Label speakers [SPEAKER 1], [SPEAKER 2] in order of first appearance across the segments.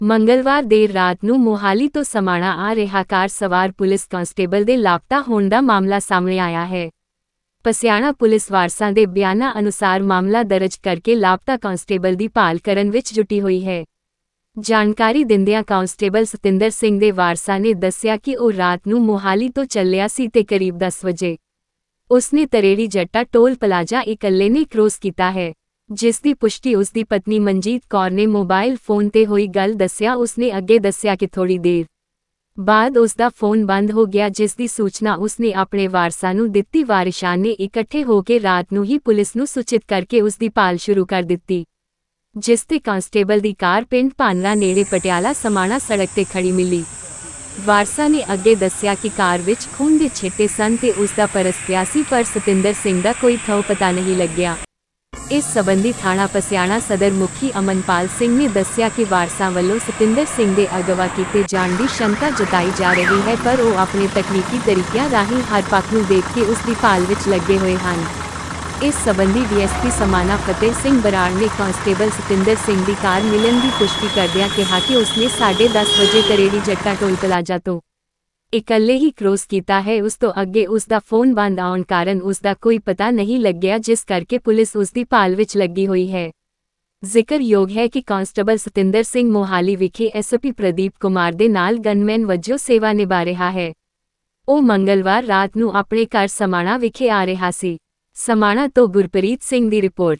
[SPEAKER 1] ਮੰਗਲਵਾਰ ਦੇਰ ਰਾਤ ਨੂੰ ਮੋਹਾਲੀ ਤੋਂ ਸਮਾਣਾ ਆ ਰਿਹਾ ਕਾਰ ਸਵਾਰ ਪੁਲਿਸ ਕਾਂਸਟੇਬਲ ਦੇ ਲਾਪਤਾ ਹੋਣ ਦਾ ਮਾਮਲਾ ਸਾਹਮਣੇ ਆਇਆ ਹੈ। ਪਸਿਆਣਾ ਪੁਲਿਸ ਵਾਰਸਾਂ ਦੇ ਬਿਆਨਾਂ ਅਨੁਸਾਰ ਮਾਮਲਾ ਦਰਜ ਕਰਕੇ ਲਾਪਤਾ ਕਾਂਸਟੇਬਲ ਦੀ ਭਾਲ ਕਰਨ ਵਿੱਚ ਜੁਟੀ ਹੋਈ ਹੈ। ਜਾਣਕਾਰੀ ਦਿੰਦਿਆਂ ਕਾਂਸਟੇਬਲ ਸਤਿੰਦਰ ਸਿੰਘ ਦੇ ਵਾਰਸਾਂ ਨੇ ਦੱਸਿਆ ਕਿ ਉਹ ਰਾਤ ਨੂੰ ਮੋਹਾਲੀ ਤੋਂ ਚੱਲਿਆ ਸੀ ਤੇ ਕਰੀਬ 10 ਵਜੇ ਉਸਨੇ ਤਰੇੜੀ ਜੱਟਾ ਟੋਲ ਪਲਾਜ਼ਾ ਇਕੱਲੇ ਨੇ ਕ੍ਰੋਸ ਕੀਤਾ ਹੈ, ਜਿਸ ਦੀ ਪੁਸ਼ਟੀ ਉਸਦੀ ਪਤਨੀ ਮਨਜੀਤ ਕੌਰ ਨੇ ਮੋਬਾਈਲ ਫੋਨ ਤੇ ਹੋਈ ਗੱਲ ਦੱਸਿਆ। ਉਸਨੇ ਅੱਗੇ ਦੱਸਿਆ ਕਿ ਥੋੜੀ ਦੇਰ ਬਾਅਦ ਉਸਦਾ ਫੋਨ ਬੰਦ ਹੋ ਗਿਆ, ਜਿਸ ਦੀ ਸੂਚਨਾ ਉਸਨੇ ਆਪਣੇ ਵਾਰਸਾਂ ਨੂੰ ਦਿੱਤੀ। ਵਾਰਿਸਾਂ ਨੇ ਇਕੱਠੇ ਹੋ ਕੇ ਰਾਤ ਨੂੰ ਹੀ ਪੁਲਿਸ ਨੂੰ ਸੂਚਿਤ ਕਰਕੇ ਉਸਦੀ ਭਾਲ ਸ਼ੁਰੂ ਕਰ ਦਿੱਤੀ, ਜਿਸ ਤੇ ਕਾਂਸਟੇਬਲ ਦੀ ਕਾਰ ਪਿੰਡ ਭਾਨਰਾ ਨੇੜੇ ਪਟਿਆਲਾ ਸਮਾਣਾ ਸੜਕ ਤੇ ਖੜੀ ਮਿਲੀ। ਵਾਰਸਾਂ ਨੇ ਅੱਗੇ ਦੱਸਿਆ ਕਿ ਕਾਰ ਵਿੱਚ ਖੂਨ ਦੇ ਛਿੱਟੇ ਸਨ ਤੇ ਉਸਦਾ ਪਰਸ ਪਿਆ ਸੀ, ਪਰ ਸਤਿੰਦਰ ਸਿੰਘ ਦਾ ਕੋਈ ਥਹੁ ਪਤਾ ਨਹੀਂ ਲੱਗਿਆ। ਇਸ ਸਬੰਧੀ ਥਾਣਾ ਪਸਿਆਣਾ ਸਦਰ ਮੁਖੀ ਅਮਨਪਾਲ ਸਿੰਘ ਨੇ ਦੱਸਿਆ ਕਿ ਵਾਰਸਾਂ ਵੱਲੋਂ ਸਤਿੰਦਰ ਸਿੰਘ ਦੇ ਅਗਵਾ ਕੀਤੇ ਜਾਣ ਦੀ ਸ਼ੰਕਾ ਜਤਾਈ ਜਾ ਰਹੀ ਹੈ, ਪਰ ਉਹ ਆਪਣੇ ਤਕਨੀਕੀ ਤਰੀਕਿਆਂ ਰਾਹੀਂ ਹਰ ਪੱਖ ਨੂੰ ਦੇਖ ਕੇ ਉਸ ਦੀ ਭਾਲ ਵਿੱਚ ਲੱਗੇ ਹੋਏ ਹਨ। ਇਸ ਸਬੰਧੀ ਡੀਐਸਪੀ ਸਮਾਣਾ ਫਤਿਹ ਸਿੰਘ ਬਰਾੜ ਨੇ ਕਾਂਸਟੇਬਲ ਸਤਿੰਦਰ ਸਿੰਘ ਦੀ ਕਾਰ ਮਿਲਣ ਦੀ ਪੁਸ਼ਟੀ ਕਰਦਿਆਂ ਕਿਹਾ ਕਿ ਉਸਨੇ 10:30 ਵਜੇ ਤਰੇੜੀ ਜੱਟਾ ਟੋਲ ਪਲਾਜ਼ਾ ਤੋਂ ਇਕੱਲੇ ਹੀ ਕ੍ਰੋਸ ਕੀਤਾ ਹੈ। ਉਸ ਤੋਂ ਅੱਗੇ ਉਸ ਦਾ ਫੋਨ ਬੰਦ ਆਉਣ ਕਾਰਨ ਉਸ ਦਾ ਕੋਈ ਪਤਾ ਨਹੀਂ ਲੱਗਿਆ, ਜਿਸ ਕਰਕੇ ਪੁਲਿਸ ਉਸ ਦੀ ਭਾਲ ਵਿੱਚ ਲੱਗੀ ਹੋਈ ਹੈ। ਜ਼ਿਕਰਯੋਗ ਹੈ ਕਿ ਕਾਂਸਟੇਬਲ ਸਤਿੰਦਰ ਸਿੰਘ ਮੋਹਾਲੀ ਵਿਖੇ ਐਸਪੀ ਪ੍ਰਦੀਪ ਕੁਮਾਰ ਦੇ ਨਾਲ ਗਨਮੈਨ ਵਜੋਂ ਸੇਵਾ ਨਿਭਾ ਰਿਹਾ ਹੈ। ਉਹ ਮੰਗਲਵਾਰ ਰਾਤ ਨੂੰ ਆਪਣੇ ਘਰ ਸਮਾਣਾ ਵਿਖੇ ਆ ਰਿਹਾ ਸੀ। ਸਮਾਣਾ ਤੋਂ ਗੁਰਪ੍ਰੀਤ ਸਿੰਘ ਦੀ ਰਿਪੋਰਟ।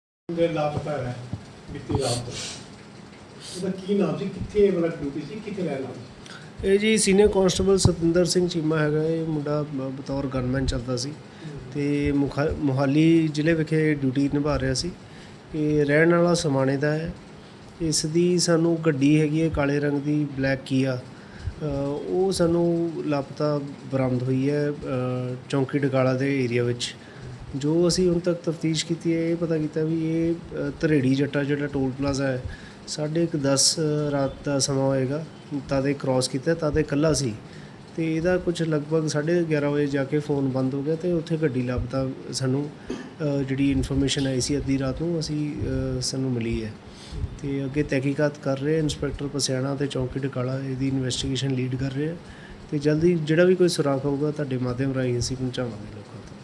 [SPEAKER 2] ਲਾਪਤਾ ਹੈ ਬੀਤੀ ਰਾਤ ਤੋਂ। ਉਹਦਾ ਕੀ ਨਾਮ ਸੀ, ਕਿੱਥੇ ਵਾਲਾ ਡਿਊਟੀ ਸੀ, ਕਿੱਥੇ ਰਹਿਣਾ?
[SPEAKER 3] ਇਹ ਜੀ ਸੀਨੀਅਰ ਕਾਂਸਟੇਬਲ ਸਤਿੰਦਰ ਸਿੰਘ ਚੀਮਾ ਹੈਗਾ। ਇਹ ਮੁੰਡਾ ਬਤੌਰ ਗਨਮੈਨ ਚੱਲਦਾ ਸੀ ਤੇ ਮੋਹਾਲੀ ਜ਼ਿਲ੍ਹੇ ਵਿਖੇ ਡਿਊਟੀ ਨਿਭਾ ਰਿਹਾ ਸੀ। ਇਹ ਰਹਿਣ ਵਾਲਾ ਸਮਾਣੇ ਦਾ ਹੈ। ਇਸ ਦੀ ਸਾਨੂੰ ਗੱਡੀ ਹੈਗੀ ਹੈ ਕਾਲੇ ਰੰਗ ਦੀ ਬਲੈਕ ਕੀਆ, ਉਹ ਸਾਨੂੰ ਲਾਪਤਾ ਬਰਾਮਦ ਹੋਈ ਹੈ ਚੌਂਕੀ ਡਕਾਲਾ ਦੇ ਏਰੀਆ ਵਿੱਚ। ਜੋ ਅਸੀਂ ਹੁਣ ਤੱਕ ਤਫਤੀਸ਼ ਕੀਤੀ ਹੈ, ਇਹ ਪਤਾ ਕੀਤਾ ਵੀ ਇਹ ਤਰੇੜੀ ਜੱਟਾ ਜਿਹੜਾ ਟੋਲ ਪਲਾਜ਼ਾ ਹੈ 10:30 ਰਾਤ ਦਾ ਸਮਾਂ ਹੋਏਗਾ, ਤਾਦੇ ਕ੍ਰੋਸ ਕੀਤਾ, ਤਾਦੇ ਇਕੱਲਾ ਸੀ ਤੇ ਇਹਦਾ ਕੁਝ ਲਗਭਗ 11:30 ਵਜੇ ਜਾ ਕੇ ਫੋਨ ਬੰਦ ਹੋ ਗਿਆ ਤੇ ਉੱਥੇ ਗੱਡੀ ਲੱਭਦਾ ਸਾਨੂੰ ਜਿਹੜੀ ਇਨਫੋਰਮੇਸ਼ਨ ਆਈ ਸੀ ਅੱਧੀ ਰਾਤ ਨੂੰ ਸਾਨੂੰ ਮਿਲੀ ਹੈ ਤੇ ਅੱਗੇ ਤਹਿਕੀਕਾਤ ਕਰ ਰਹੇ। ਇੰਸਪੈਕਟਰ ਪਸਿਆਣਾ ਤੇ ਚੌਂਕੀ ਡਕਾਲਾ ਇਹਦੀ ਇਨਵੈਸਟੀਗੇਸ਼ਨ ਲੀਡ ਕਰ ਰਹੇ ਤੇ ਜਲਦੀ ਜਿਹੜਾ ਵੀ ਕੋਈ ਸੁਰਾਖ ਹੋਊਗਾ ਤੁਹਾਡੇ ਮਾਧਿਅਮ ਰਾਹੀਂ ਅਸੀਂ ਪਹੁੰਚਾਵਾਂਗੇ ਲੋਕਾਂ ਤੱਕ।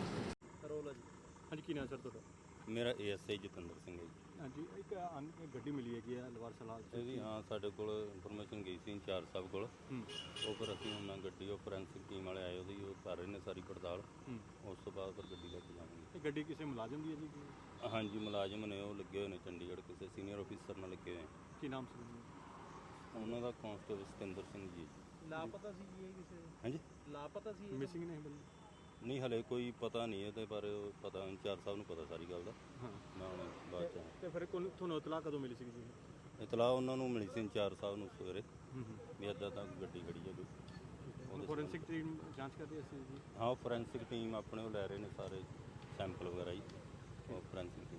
[SPEAKER 2] ਹਾਂਜੀ, ਕੀ ਨਾਮ ਸਰ ਤੁਹਾਡਾ?
[SPEAKER 4] ਮੇਰਾ ਏਐਸਆਈ ਜਤਿੰਦਰ ਸਿੰਘ ਹੈ ਜੀ।
[SPEAKER 2] ਹਾਂਜੀ, ਇੱਕ ਗੱਡੀ ਮਿਲੀ ਹੈਗੀ ਹੈ ਲਵਾਰ ਸਲਾਹ
[SPEAKER 4] ਜੀ। ਹਾਂ, ਸਾਡੇ ਕੋਲ ਇਨਫੋਰਮੇਸ਼ਨ ਗਈ ਸੀ ਇੰਚਾਰਜ ਸਾਹਿਬ ਕੋਲ। ਉਹ ਫਿਰ ਅਸੀਂ ਹੁਣ ਗੱਡੀ ਉਹ ਫੋਰੈਂਸਿਕ ਟੀਮ ਵਾਲੇ ਆਏ, ਉਹਦੀ ਉਹ ਕਰ ਰਹੇ ਨੇ ਸਾਰੀ ਪੜਤਾਲ। ਉਸ ਤੋਂ ਬਾਅਦ ਫਿਰ ਗੱਡੀ ਲੈ ਕੇ ਜਾਵਾਂਗੇ।
[SPEAKER 2] ਇਹ ਗੱਡੀ ਕਿਸੇ ਮੁਲਾਜ਼ਮ ਦੀ ਹੈ ਜੀ?
[SPEAKER 4] ਹਾਂਜੀ, ਮੁਲਾਜ਼ਮ ਨੇ, ਉਹ ਲੱਗੇ ਹੋਏ ਨੇ ਚੰਡੀਗੜ੍ਹ, ਕਿਸੇ ਸੀਨੀਅਰ ਆਫੀਸਰ ਨਾਲ ਲੱਗੇ ਹੋਏ।
[SPEAKER 2] ਕੀ ਨਾਮ ਸੀ
[SPEAKER 4] ਉਹਨਾਂ ਦਾ? ਕਾਂਸਟੇਬਲ ਸਤਿੰਦਰ ਸਿੰਘ ਜੀ।
[SPEAKER 2] ਲਾਪਤਾ ਸੀ ਜੀ? ਕਿਸੇ
[SPEAKER 4] ਹਾਂਜੀ,
[SPEAKER 2] ਲਾਪਤਾ ਸੀ, ਮਿਸਿੰਗ ਨਹੀਂ ਬਣੀ?
[SPEAKER 4] ਨਹੀਂ, ਹਲੇ ਕੋਈ ਪਤਾ ਨਹੀਂ ਇਹਦੇ ਬਾਰੇ। ਪਤਾ ਇੰਚਾਰਜ ਸਾਹਿਬ ਨੂੰ ਪਤਾ ਸਾਰੀ ਗੱਲ ਦਾ।
[SPEAKER 2] ਹਾਂ,
[SPEAKER 4] ਮੈਂ ਹੁਣ ਬਾਅਦ ਚ।
[SPEAKER 2] ਤੇ ਫਿਰ ਤੁਹਾਨੂੰ ਇਤਲਾਹ ਕਦੋਂ ਮਿਲੀ ਸੀ ਜੀ?
[SPEAKER 4] ਇਤਲਾਹ ਉਹਨਾਂ ਨੂੰ ਮਿਲੀ ਸੀ ਇੰਚਾਰਜ ਸਾਹਿਬ ਨੂੰ ਸਵੇਰੇ ਵੀ ਇੱਦਾਂ ਤਾਂ ਗੱਡੀ ਖੜੀ ਹੈ ਕੋਈ।
[SPEAKER 2] ਫੋਰੈਂਸਿਕ ਟੀਮ ਜਾਂਚ ਕਰਦੀ ਸੀ ਜੀ?
[SPEAKER 4] ਹਾਂ, ਫੋਰੈਂਸਿਕ ਟੀਮ ਆਪਣੇ ਉਹ ਲੈ ਰਹੇ ਨੇ ਸਾਰੇ ਸੈਂਪਲ ਵਗੈਰਾ ਜੀ। ਉਹ ਫੋਰੈਂਸਿਕ ਟੀਮ।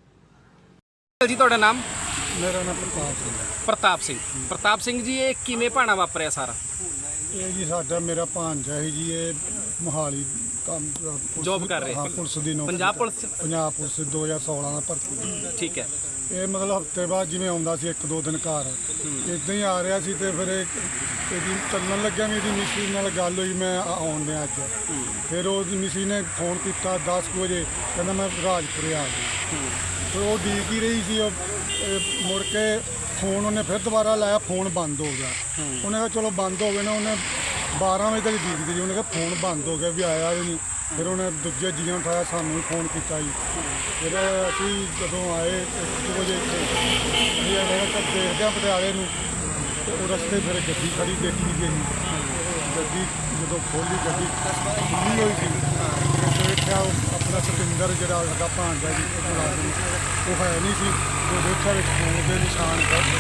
[SPEAKER 5] ਜੀ ਤੁਹਾਡਾ ਨਾਮ?
[SPEAKER 2] ਮੇਰਾ ਨਾਮ ਪ੍ਰਤਾਪ ਸਿੰਘ ਹੈ।
[SPEAKER 5] ਪ੍ਰਤਾਪ ਸਿੰਘ। ਪ੍ਰਤਾਪ ਸਿੰਘ ਜੀ, ਇਹ ਕਿਵੇਂ ਭਾਣਾ ਵਾਪਰਿਆ ਸਾਰਾ?
[SPEAKER 2] ਇਹ ਜੀ ਸਾਡਾ ਮੇਰਾ ਭਾਂਜਾ ਹੈ ਜੀ, ਇਹ ਮੋਹਾਲੀ ਕੰਮ
[SPEAKER 5] ਜੋਬ ਕਰ ਰਹੇ?
[SPEAKER 2] ਹਾਂ, ਪੁਲਿਸ ਦੀ ਨੌਕਰੀ।
[SPEAKER 5] ਪੰਜਾਬ ਪੁਲਿਸ?
[SPEAKER 2] ਪੰਜਾਬ ਪੁਲਿਸ 2016 ਦਾ ਭਰਤੀ।
[SPEAKER 5] ਠੀਕ ਹੈ।
[SPEAKER 2] ਇਹ ਮਤਲਬ ਹਫ਼ਤੇ ਬਾਅਦ ਜਿਵੇਂ ਆਉਂਦਾ ਸੀ 1-2 ਦਿਨ ਘਰ, ਇੱਦਾਂ ਹੀ ਆ ਰਿਹਾ ਸੀ ਤੇ ਫਿਰ ਇਹਦੀ ਚੱਲਣ ਲੱਗਿਆ। ਮੇਰੀ ਮਿਸੀ ਨਾਲ ਗੱਲ ਹੋਈ, ਮੈਂ ਆਉਣ ਡਿਆ ਅੱਜ। ਫਿਰ ਉਹਦੀ ਮਿਸੀ ਨੇ ਫੋਨ ਕੀਤਾ 10 ਵਜੇ, ਕਹਿੰਦਾ ਮੈਂ ਰਾਜਪੁਰੇ ਆ ਗਿਆ। ਫਿਰ ਉਹ ਉਡੀਕ ਹੀ ਰਹੀ ਸੀ। ਮੁੜ ਕੇ ਫੋਨ ਉਹਨੇ ਫਿਰ ਦੁਬਾਰਾ ਲਾਇਆ, ਫੋਨ ਬੰਦ ਹੋ ਗਿਆ। ਉਹਨੇ ਕਿਹਾ ਚਲੋ ਬੰਦ ਹੋ ਗਏ ਨਾ। ਉਹਨੇ 12 ਵਜੇ ਤੱਕ ਉਡੀਕਦੀ ਰਹੀ, ਉਹਨੇ ਕਿਹਾ ਫੋਨ ਬੰਦ ਹੋ ਗਿਆ ਵੀ ਆਇਆ ਵੀ ਨਹੀਂ। ਫਿਰ ਉਹਨੇ ਦੂਜੇ ਜੀਆਂ ਨੂੰ ਉਠਾਇਆ, ਸਾਨੂੰ ਵੀ ਫੋਨ ਕੀਤਾ ਜੀ। ਫਿਰ ਅਸੀਂ ਜਦੋਂ ਆਏ 1 ਵਜੇ ਅਸੀਂ ਦੇਖਦੇ ਹਾਂ ਪਟਿਆਲੇ ਨੂੰ, ਤੇ ਉਹ ਰਸਤੇ ਫਿਰ ਗੱਡੀ ਖੜੀ ਦੇਖੀ ਗਈ। ਗੱਡੀ ਜਦੋਂ ਖੋਲ੍ਹੀ, ਗੱਡੀ ਖੁੱਲ੍ਹੀ ਹੋਈ ਸੀ। ਦੇਖਿਆ ਆਪਣਾ ਸਤਿੰਦਰ ਜਿਹੜਾ ਸਾਡਾ ਭਾਂਜਾ ਜੀ ਮੁਲਾਜ਼ਮ, ਉਹ ਹੈ ਨਹੀਂ ਸੀ। ਉਹ ਦੇਖਿਆ ਵਿੱਚ ਫੋਨ ਦੇ ਨਿਸ਼ਾਨ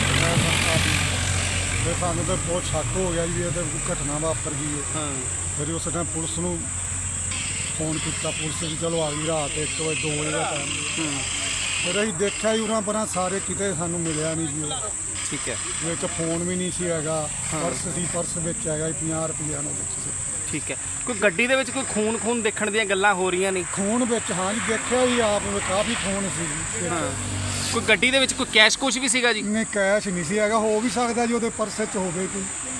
[SPEAKER 2] ਫਿਰ ਸਾਨੂੰ ਤਾਂ ਬਹੁਤ ਸ਼ੱਕ ਹੋ ਗਿਆ ਜੀ ਇਹ ਤਾਂ ਘਟਨਾ ਵਾਪਰ ਗਈ ਹੈ। ਫਿਰ ਉਸ ਟਾਈਮ ਪੁਲਿਸ ਨੂੰ ਫੋਨ ਕੀਤਾ, ਪੁਲਿਸ ਵੀ ਚਲੋ ਆ ਗਈ। ਰਾਤ 1 ਵਜੇ 2 ਵਜੇ ਦਾ ਟਾਈਮ। ਫਿਰ ਅਸੀਂ ਦੇਖਿਆ ਜੀ ਉਰਾਂ ਪਰਾਂ ਸਾਰੇ ਕਿਤੇ, ਸਾਨੂੰ ਮਿਲਿਆ ਨਹੀਂ ਜੀ ਉਹ।
[SPEAKER 5] ਠੀਕ ਹੈ।
[SPEAKER 2] ਵਿੱਚ ਫੋਨ ਵੀ ਨਹੀਂ ਸੀ ਹੈਗਾ, ਪਰਸ ਸੀ, ਪਰਸ ਵਿੱਚ ਹੈਗਾ 50 ਰੁਪਈਆ ਨਾਲ ਵਿੱਚ ਸੀ।
[SPEAKER 5] ਠੀਕ ਹੈ। ਕੋਈ ਗੱਡੀ ਦੇ ਵਿੱਚ ਕੋਈ ਖੂਨ ਦੇਖਣ ਦੀਆਂ ਗੱਲਾਂ ਹੋ ਰਹੀਆਂ ਨੇ?
[SPEAKER 2] ਖੂਨ ਵਿੱਚ, ਹਾਂ ਜੀ, ਦੇਖਿਆ ਜੀ ਆਪ, ਕਾਫੀ ਖੂਨ ਸੀ ਜੀ।
[SPEAKER 5] ਕੋਈ ਗੱਡੀ ਦੇ ਵਿੱਚ ਕੋਈ ਕੈਸ਼ ਕੁਛ ਵੀ ਸੀਗਾ ਜੀ?
[SPEAKER 2] ਨਹੀਂ ਕੈਸ਼ ਨਹੀਂ ਸੀ ਹੈਗਾ, ਹੋ ਵੀ ਸਕਦਾ ਜੀ ਉਹਦੇ ਪਰਸ 'ਚ ਹੋਵੇ ਕੋਈ।